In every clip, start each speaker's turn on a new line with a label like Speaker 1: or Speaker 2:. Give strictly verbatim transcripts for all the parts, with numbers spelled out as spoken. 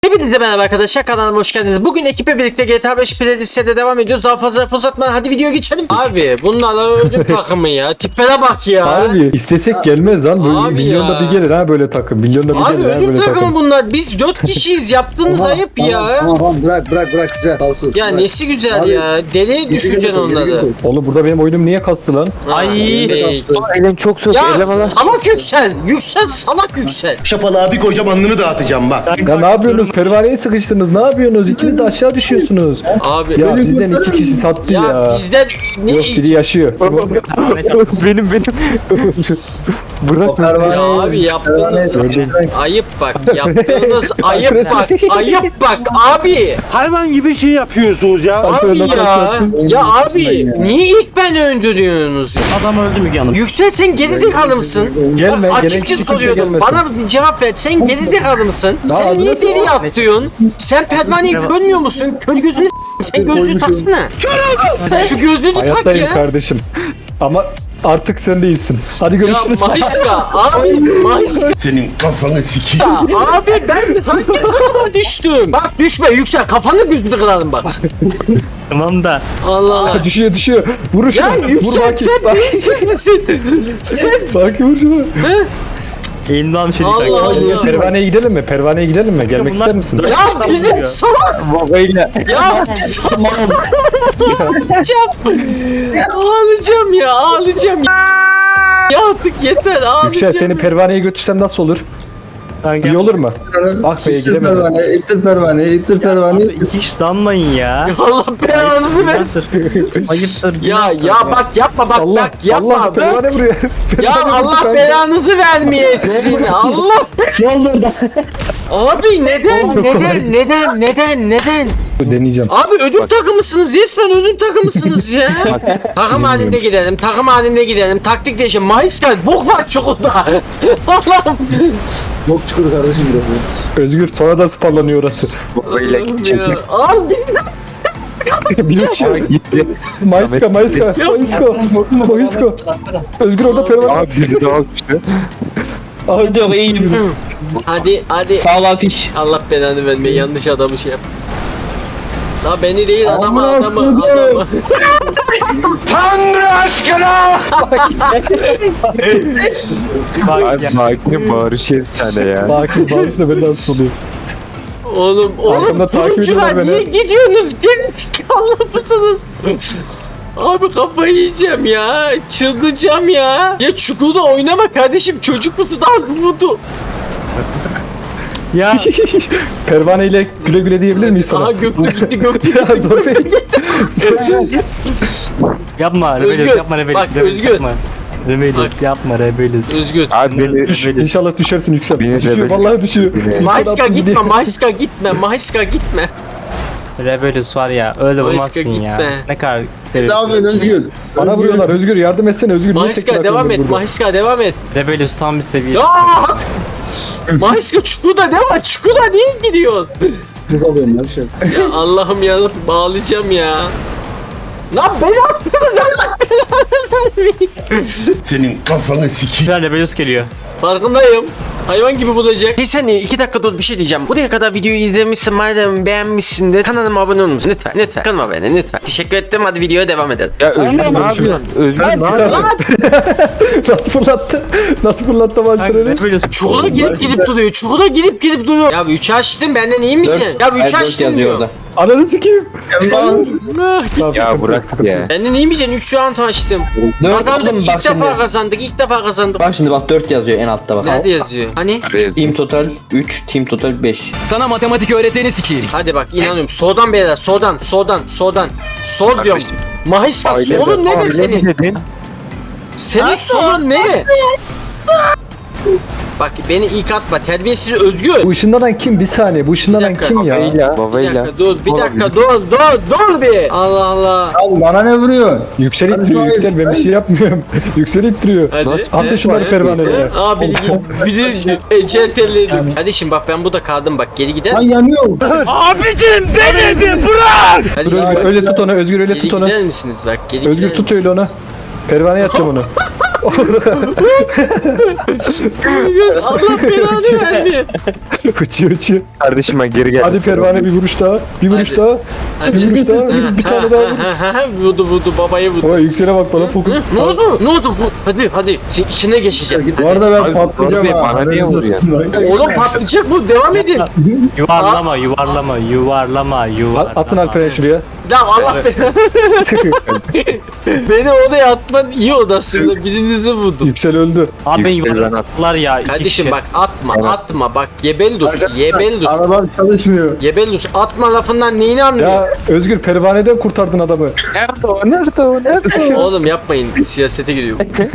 Speaker 1: Hepinize merhaba arkadaşlar, kanalıma hoş geldiniz. Bugün ekiple birlikte G T A beş playlist'e devam ediyoruz. Daha fazla laf uzatmadan hadi videoya geçelim. Abi bunlarla ödül takımı ya. Tiplere bak ya.
Speaker 2: Abi istesek gelmez lan. Böyle
Speaker 1: Abi
Speaker 2: milyonda
Speaker 1: ya.
Speaker 2: bir gelir ha böyle takım. Milyonda bir
Speaker 1: Abi
Speaker 2: gelir ha
Speaker 1: ödül
Speaker 2: böyle
Speaker 1: takımı
Speaker 2: takım.
Speaker 1: bunlar. Biz dört kişiyiz. Yaptığınız ayıp
Speaker 3: Tamam,
Speaker 1: ya.
Speaker 3: Tamam tamam bırak bırak bırak güzel kalsın.
Speaker 1: Ya
Speaker 3: Bırak.
Speaker 1: nesi güzel
Speaker 3: Abi,
Speaker 1: ya. Deliye düşeceksin
Speaker 3: Geri
Speaker 1: onları.
Speaker 3: git,
Speaker 2: Oğlum burada benim oyunum niye kastı lan?
Speaker 1: Ay.
Speaker 3: geri git.
Speaker 4: Elin çok soğuk.
Speaker 1: Ya
Speaker 4: Elem Allah.
Speaker 1: salak yüksel. Yüksel salak yüksel.
Speaker 5: Şapalı abi koyacağım alnını dağıtacağım bak.
Speaker 2: Ya ne yapıyorsunuz? Pervaneye sıkıştınız. Ne yapıyorsunuz? İkiniz de aşağı düşüyorsunuz.
Speaker 1: Abi.
Speaker 2: Ya bizden iki kişi sattı
Speaker 1: Ya,
Speaker 2: ya.
Speaker 1: bizden ne
Speaker 2: Yok biri yaşıyor.
Speaker 4: benim benim. Bırak beni.
Speaker 3: Pervane-
Speaker 1: Ya abi yaptığınız
Speaker 3: Pervane-
Speaker 1: ayıp bak. Yaptığınız ayıp bak. Ayıp bak abi.
Speaker 6: Hayvan gibi şey yapıyorsunuz ya.
Speaker 1: Abi ya. Ya abi
Speaker 3: ya.
Speaker 1: niye ilk ben öldürüyorsunuz?
Speaker 6: Adam öldü Müge Hanım.
Speaker 1: Yüksel sen gerizekalı mısın?
Speaker 2: Gelme,
Speaker 1: Bak,
Speaker 2: gerekli
Speaker 1: açıkça
Speaker 2: kimse
Speaker 1: soruyordum.
Speaker 2: gelmesin.
Speaker 1: Bana bir cevap ver. Sen gerizekalı mısın?
Speaker 2: Daha
Speaker 1: Sen niye
Speaker 2: ağzına
Speaker 1: deli
Speaker 2: sor.
Speaker 1: yaptıyorsun? Sen pervaneyi görmüyor musun? Kör gözünü s- sen gözlüğü taksana. Kör oldum. Şu gözlüğünü tak
Speaker 2: Hayattayım
Speaker 1: ya.
Speaker 2: kardeşim. Ama artık sen değilsin. Hadi
Speaker 1: Ya
Speaker 2: görüşürüz.
Speaker 1: Mayska abi Mayska
Speaker 5: Senin kafanı sikeyim.
Speaker 1: abi ben hangi takıma düştüm? Bak düşme Yüksel kafanı gözünü kırarım bak.
Speaker 4: Tamam da.
Speaker 1: Allah Allah.
Speaker 2: düşüyor düşüyor. Vur
Speaker 1: Ya
Speaker 2: şunu. Vur
Speaker 1: Yüksel
Speaker 2: Baki.
Speaker 1: sen beyinsiz misin? Sen
Speaker 2: Baki vur şunu.
Speaker 4: Elinden almış elik.
Speaker 1: Allah Allah.
Speaker 2: Pervaneye gidelim mi? Pervaneye gidelim mi? Gelmek ister misin?
Speaker 1: Ya bizim salak
Speaker 4: Babayla.
Speaker 1: ya ağlayacağım. Ağlayacağım ya ağlayacağım ya. Ya artık yeter ağlayacağım.
Speaker 2: Yüksel seni pervaneye götürsem nasıl olur? İyi olur mu? Bak be
Speaker 3: İttir
Speaker 2: gidemedim.
Speaker 3: pervane, ittir pervane, ittir pervane.
Speaker 4: İki kişi damlayın ya.
Speaker 1: Allah belanı versin.
Speaker 4: Ayıptır.
Speaker 1: Ya ya bak yapma bak
Speaker 2: Allah
Speaker 1: bak yapma
Speaker 2: Allah
Speaker 1: bak.
Speaker 2: pervane vuruyor.
Speaker 1: Ya
Speaker 2: Pervane vurdu
Speaker 1: Allah
Speaker 2: kanka.
Speaker 1: belanızı vermeye sizin. Allah.
Speaker 4: Ne olur da.
Speaker 1: Abi neden neden neden neden neden?
Speaker 2: Deneyeceğim.
Speaker 1: Abi ödül takımısınız resmen ödül takımısınız ya. Takım halinde gidelim takım halinde gidelim taktik değişelim. Mayıskan bok var çukurda. Allah'ım.
Speaker 3: Bok çukuru kardeşim burası.
Speaker 2: Özgür sonradan spallanıyor orası.
Speaker 4: Babayla
Speaker 1: Ya, Abi
Speaker 2: Bir uçuyor. Mayıska Mayıska Mayıska Mayıska. Özgür orada pervane.
Speaker 4: Abi biri daha düştü.
Speaker 2: Abi
Speaker 4: Diyor iyiyim.
Speaker 1: hadi hadi.
Speaker 4: Sağ ol afiş.
Speaker 1: Allah belanı vermeye yanlış adamı şey yap. La beni değil adamı
Speaker 3: Aman
Speaker 1: adamı
Speaker 3: Allah'ım.
Speaker 1: adamı.
Speaker 5: Tanrı aşkına!
Speaker 4: Abi Maki'nin bağırışı efsane ya.
Speaker 2: Baki bağışla beni nasıl oluyor?
Speaker 1: Oğlum oğlum
Speaker 2: Arkamda takip
Speaker 1: turuncular
Speaker 2: ediyorlar
Speaker 1: niye
Speaker 2: beni.
Speaker 1: gidiyorsunuz? Gerizekalı mısınız? Abi kafayı yiyeceğim ya. Çıldıracağım ya. Ya çukurda oynama kardeşim. Çocuk musun? Daha vurdu.
Speaker 4: Ya.
Speaker 2: Pervane ile güle güle diyebilir miyiz
Speaker 1: Aha
Speaker 2: sana?
Speaker 1: Göktü gitti Göktü.
Speaker 2: Ya zor bey.
Speaker 4: Yapma
Speaker 1: Özgür,
Speaker 4: Rebelius yapma Rebelius.
Speaker 1: bak,
Speaker 4: Rebelius
Speaker 1: Özgür.
Speaker 4: yapma. Rebelius yapma Rebelius.
Speaker 1: Özgür.
Speaker 4: Abi beni
Speaker 2: Düş,
Speaker 4: Rebelius.
Speaker 2: İnşallah düşersin Yüksel.
Speaker 4: Beni
Speaker 2: Düşüyor
Speaker 4: rebel-
Speaker 2: vallahi düşüyor.
Speaker 4: Beni-
Speaker 1: Mayska
Speaker 2: Yüksel
Speaker 1: gitme,
Speaker 2: attı
Speaker 1: Mayska gitme, Mayska gitme.
Speaker 4: Rebelius var ya öyle
Speaker 1: Mayıska
Speaker 4: vurmazsın ya.
Speaker 1: gitme.
Speaker 4: Ne kadar
Speaker 3: Ne
Speaker 4: seviyorsun.
Speaker 3: yapıyorsun Özgür?
Speaker 2: Bana vuruyorlar Özgür yardım etsene Özgür. niye tek
Speaker 1: Mayska
Speaker 2: bırakıyorsun
Speaker 1: devam et,
Speaker 2: burada?
Speaker 1: Mayska devam et.
Speaker 4: Rebelius tam bir seviye.
Speaker 1: Ya! Mayska çukurda devam, çukurda niye gidiyorsun?
Speaker 3: Kız alıyorum ya bir şey.
Speaker 1: Ya Allah'ım ya bağlayacağım ya. Lan beni attınız Allah belanı vermeyin.
Speaker 5: Senin kafanı sikeyim.
Speaker 4: Rebelius geliyor.
Speaker 1: Farkındayım. Hayvan gibi bulacak. Hey sen iki dakika dur bir şey diyeceğim. Buraya kadar videoyu izlemişsin madem beğenmişsin de kanalıma abone olmuşsun. Lütfen lütfen kanalıma abone lütfen. Teşekkür ettim hadi videoya devam edelim.
Speaker 4: Ya Özgür ne yapıyorsun? Özgür ne yapıyorsun?
Speaker 2: Nasıl fırlattı? Nasıl fırlattı Valtter'i?
Speaker 4: Rebelius.
Speaker 1: Çukur'a gidip gidip duruyor. Çukur'a gidip gidip duruyor. Ya üç açtım benden iyi misin? Ya üç açtım diyor.
Speaker 2: Ananı sikeyim.
Speaker 1: Ah,
Speaker 4: Ya bırak ya.
Speaker 1: benden iyi misin? üç şu an açtım. Kazandık ilk
Speaker 7: bak
Speaker 1: defa
Speaker 7: şimdi.
Speaker 1: kazandık ilk defa kazandık.
Speaker 7: Bak şimdi bak dört yazıyor en altta bak.
Speaker 1: Nerede yazıyor? Hani?
Speaker 7: Team total üç, team total beş.
Speaker 8: Sana matematik öğreteni sikeyim.
Speaker 1: Hadi bak inanıyorum. Soldan beyler soldan soldan soldan. Sol diyorum. Mahisa
Speaker 4: Aile-
Speaker 1: solun ne de
Speaker 4: aile
Speaker 1: senin?
Speaker 4: mi dedin?
Speaker 1: Senin solun ne? Bak beni ilk atma terbiyesiz Özgür.
Speaker 2: Bu ışınlanan kim? Bir saniye. Bu ışınlanan
Speaker 1: dakika.
Speaker 2: kim ya?
Speaker 4: Babayla.
Speaker 1: Bir
Speaker 4: Babayla.
Speaker 1: dakika dur bir dakika dur dur dur bir. Allah Allah.
Speaker 3: Abi bana ne vuruyorsun?
Speaker 2: Yüksel
Speaker 3: Hadi
Speaker 2: ittiriyor.
Speaker 3: hayır.
Speaker 2: Yüksel ben bir şey yapmıyorum. Yüksel ittiriyor.
Speaker 1: Hadi.
Speaker 2: Atın şunları pervanelere.
Speaker 1: Aa biri git. Biri ecel terledim. Hadi şimdi bak ben burada kaldım bak geri gider
Speaker 3: Lan
Speaker 1: misin?
Speaker 3: yanıyor.
Speaker 6: Abicim beni bir bırak.
Speaker 1: Hadi
Speaker 2: Özgür
Speaker 1: şimdi bak,
Speaker 2: öyle tut onu. Özgür öyle
Speaker 1: geri
Speaker 2: tut onu.
Speaker 1: gider misiniz bak geri
Speaker 2: Özgür
Speaker 1: gider
Speaker 2: tut
Speaker 1: misiniz?
Speaker 2: öyle onu. Pervaneye atacağım onu.
Speaker 1: Allah belanı vermiyor.
Speaker 2: uçuyor uçuyor.
Speaker 4: Kardeşim ben geri geldim.
Speaker 2: Hadi pervane bir vuruş daha. Bir vuruş
Speaker 1: Hadi.
Speaker 2: daha. Bir vuruş daha. Bir, bir tane daha vur.
Speaker 1: Vurdu vurdu babayı vurdu.
Speaker 2: Oy yüksele bak bana fokus.
Speaker 1: Ne oldu? Ne oldu? Bu- Hadi hadi. Sen içine geçeceğim.
Speaker 3: Bu arada ben
Speaker 4: Abi,
Speaker 3: patlayacağım
Speaker 4: Bora Bey,
Speaker 3: ha.
Speaker 4: bana niye vuruyorsun?
Speaker 1: Oğlum patlayacak bu. Devam edin.
Speaker 6: Yuvarlama yuvarlama yuvarlama yuvarlama.
Speaker 2: Atın Alperen şuraya.
Speaker 1: Ya Allah belanı. Beni odaya atman iyi oldu aslında. Birinizi vurdum.
Speaker 2: Yüksel öldü.
Speaker 6: Abi ben
Speaker 4: Yükselen
Speaker 6: yuvarladılar ya. iki
Speaker 1: Kardeşim
Speaker 6: kişi.
Speaker 1: bak atma atma bak Gebellus Gebellus
Speaker 3: Arabam çalışmıyor.
Speaker 1: Gebellus atma lafından neyini anlıyor?
Speaker 2: Ya Özgür pervaneden kurtardın adamı.
Speaker 4: Nerede o? Nerede o? Nerede o?
Speaker 1: Oğlum yapmayın siyasete giriyor.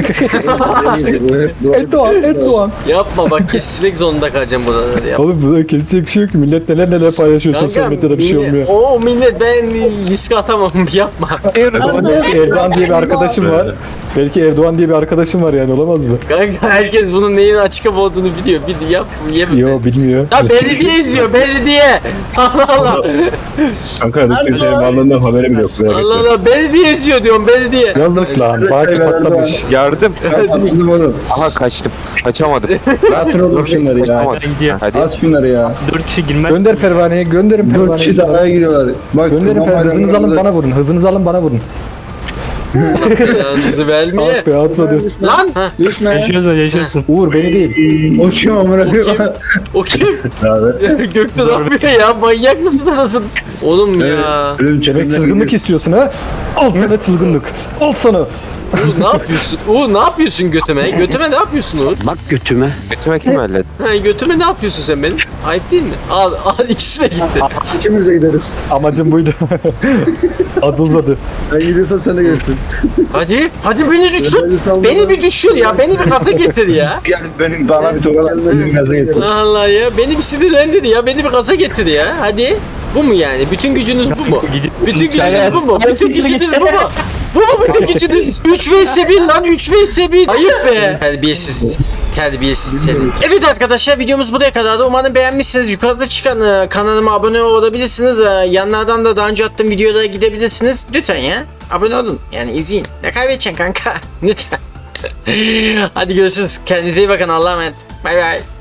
Speaker 2: Erdoğan, Erdoğan.
Speaker 1: Yapma bak kesmek zorunda kalacağım buraları ya.
Speaker 2: Oğlum burada kesecek bir şey yok ki. Millet neler neler paylaşıyor sosyal medyada bir şey
Speaker 1: millet-
Speaker 2: olmuyor.
Speaker 1: O millet ben riske atamam yapma.
Speaker 2: Belki Erdoğan diye bir arkadaşım var. Belki Erdoğan diye bir arkadaşım var yani olamaz mı?
Speaker 1: Kanka herkes bunun neyin açık olduğunu biliyor. Bir yap yeme.
Speaker 2: Yo bilmiyor.
Speaker 1: Ya belediye izliyor belediye. Allah Allah.
Speaker 2: Kanka Türkiye'nin varlığından haberim yok.
Speaker 1: Allah Allah belediye izliyor diyorum belediye.
Speaker 3: Yalnız
Speaker 2: Lan
Speaker 3: çay
Speaker 2: Baki
Speaker 3: ver
Speaker 2: patlamış.
Speaker 4: Yardım.
Speaker 3: Ben patladım onu.
Speaker 4: Aha kaçtım. Kaçamadım.
Speaker 3: Rahatın olur şunları ya.
Speaker 4: Kaçamadım.
Speaker 6: Ben gidiyorum.
Speaker 4: Hadi.
Speaker 3: Az şunları ya.
Speaker 6: Dört kişi girmez.
Speaker 2: Gönder pervaneye, gönderin
Speaker 3: Dört kişi de
Speaker 2: pervaneyi.
Speaker 3: araya gidiyorlar. Bak
Speaker 2: Gönderin
Speaker 3: kurban
Speaker 2: pervaneyi. Hızınızı alın
Speaker 3: bayramlarında-
Speaker 2: bana vurun. Hızınızı alın bana vurun.
Speaker 1: Yalnızı vermeye.
Speaker 2: Ah be atladı.
Speaker 1: Lan. Ha,
Speaker 3: Düşme.
Speaker 6: Yaşıyorsun yaşıyorsun.
Speaker 2: Uğur beni değil.
Speaker 3: Uçuyor amına koyayım.
Speaker 1: o kim? Gökte ne yapıyor ya? Manyak mısın anasını? Oğlum ya.
Speaker 3: Ölüm
Speaker 2: Demek
Speaker 3: çelimden
Speaker 2: çılgınlık istiyorsun ha? Al sana çılgınlık. Al sana.
Speaker 1: Uğur ne yapıyorsun? Uğur ne yapıyorsun götüme? Götüme ne yapıyorsun Uğur?
Speaker 4: Götüme kim öyle?
Speaker 1: Ha, götüme ne yapıyorsun sen benim? Ayıp değil mi? Al al ikisi de gitti.
Speaker 3: İkimiz de gideriz.
Speaker 2: Amacım buydu. Adılmadı.
Speaker 3: Ben gidiyorsam sen de gelirsin.
Speaker 1: Hadi. Hadi beni düşür.
Speaker 3: Beni salla.
Speaker 1: Beni bir düşür ya. Beni bir gaza getir ya.
Speaker 3: Yani benim bana bir tokalar benim gaza getir.
Speaker 1: Allah Allah ya. Beni bir sinirlendir ya. Beni bir gaza getir ya. Hadi. Bu mu yani? Bütün gücünüz bu mu? Bütün gücünüz bu mu? Bütün gücünüz bu mu? Bu mu bütün gücünüz? üç vs bir lan üç vs bir. Ayıp be. Terbiyesiz. Terbiyesiz seni. Evet arkadaşlar videomuz buraya kadardı. Umarım beğenmişsiniz. Yukarıda çıkan e, kanalıma abone olabilirsiniz. E, yanlardan da daha önce attığım videolara gidebilirsiniz. Lütfen ya. Abone olun. Yani izleyin. Ne kaybedeceksin kanka? Lütfen. Hadi görüşürüz. Kendinize iyi bakın. Allah'a emanet. Bay bay.